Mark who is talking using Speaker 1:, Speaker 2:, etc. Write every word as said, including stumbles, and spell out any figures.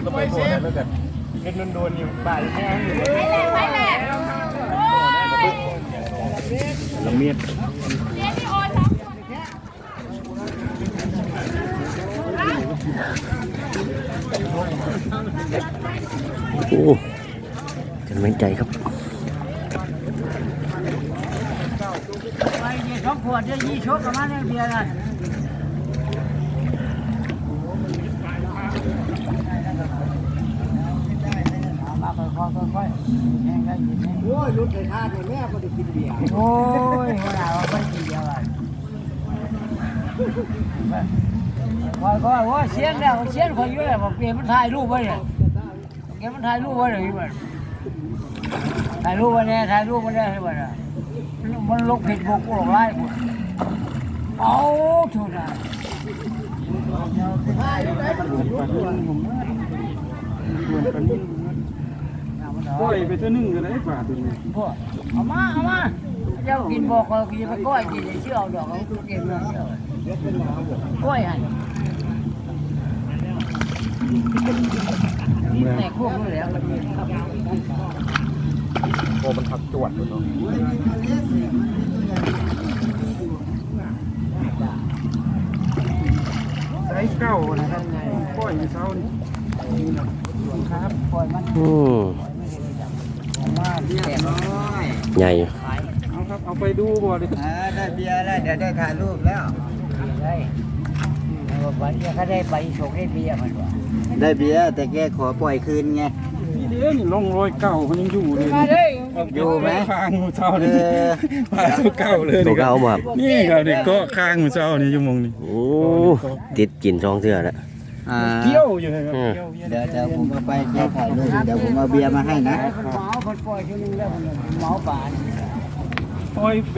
Speaker 1: ก็ไปโผล่แล้วกันเป็นโดนๆอยู่บ่ายแห้งอยู่ไปแล้วละเมียด
Speaker 2: โอ้กำลังใจครับ
Speaker 3: ไปเดี๋ยวสองขวดเดี๋ยวยี่ชกกับมันเบียร์นะมาค่อยๆๆแห้งได้ยินไหมโอ้ยรุดเลยท่าเนี่ยแม่ก็ได้กินเบียร์โอ้ยหัวหน้าว่าไม่กินเบียร์เลยค่อยๆว่าเสียงแล้วเสียงคนเยอะบอกเบียร์มันถ่ายรูปไว้เนี่ยเบียร์มันถ่ายรูปไว้เลยที่มันถ่ายรูปไว้เนี่ยถ่ายรูปไว้เนี่ยที่มันมันลงผิดบุกลงไล่หมดเอาถูกนะ
Speaker 1: ก้อยไปตัวนึงกันได้ป่าตัวนี้
Speaker 3: พวกเอามาเอามาเจ้ากินบอกเขากินไปก้อยกินเชื่อเอาดอกเขากินเชื่อก้อยหันแม่ควบเลยแล้ว
Speaker 1: โอ้มันผักจวดเลยเนาะไซส์เก้านะครับก้อยมีเช้านี่ครับ
Speaker 3: ปล่อยมัน
Speaker 2: อืม
Speaker 3: มาเรียบร้อย
Speaker 2: ใหญ่
Speaker 1: เอาครับเอาไปดูบ่ดิ
Speaker 3: ได้เบียร์แล้วเดี๋ยวได้ถ่ายรูปแล้วได้วันนี้เขาได้ไปโชคได้เบียร์มันวะ
Speaker 4: ได้เบียร์แต่แกขอปล่อยคืนไง
Speaker 1: นี่เด้นี่ร่องรอยเก่ามันยังอยู่เลย
Speaker 3: มาเลย
Speaker 4: อยู่ไหม
Speaker 1: คางมือเช้านี่
Speaker 4: เออ
Speaker 1: พาสู้เก่าเลย
Speaker 2: ตัวเก่ามา
Speaker 1: นี่ครับนี่ก็คางมือเช้านี่ชั่วโมงนี้
Speaker 2: โอ้ติดกินช่องเสื้อแล้ว
Speaker 4: อ่า
Speaker 1: เที่ยวอยู่เลยครับ
Speaker 4: เดี๋ยวเดี๋ยวผมเอาไปแก้ถ่ายรูปเดี๋ยวผมเอาเบียร์มาให้นะ
Speaker 3: คนเมาคนปล่อยชั่วนึงแล้วคนเมาป่าน
Speaker 1: ปล่อย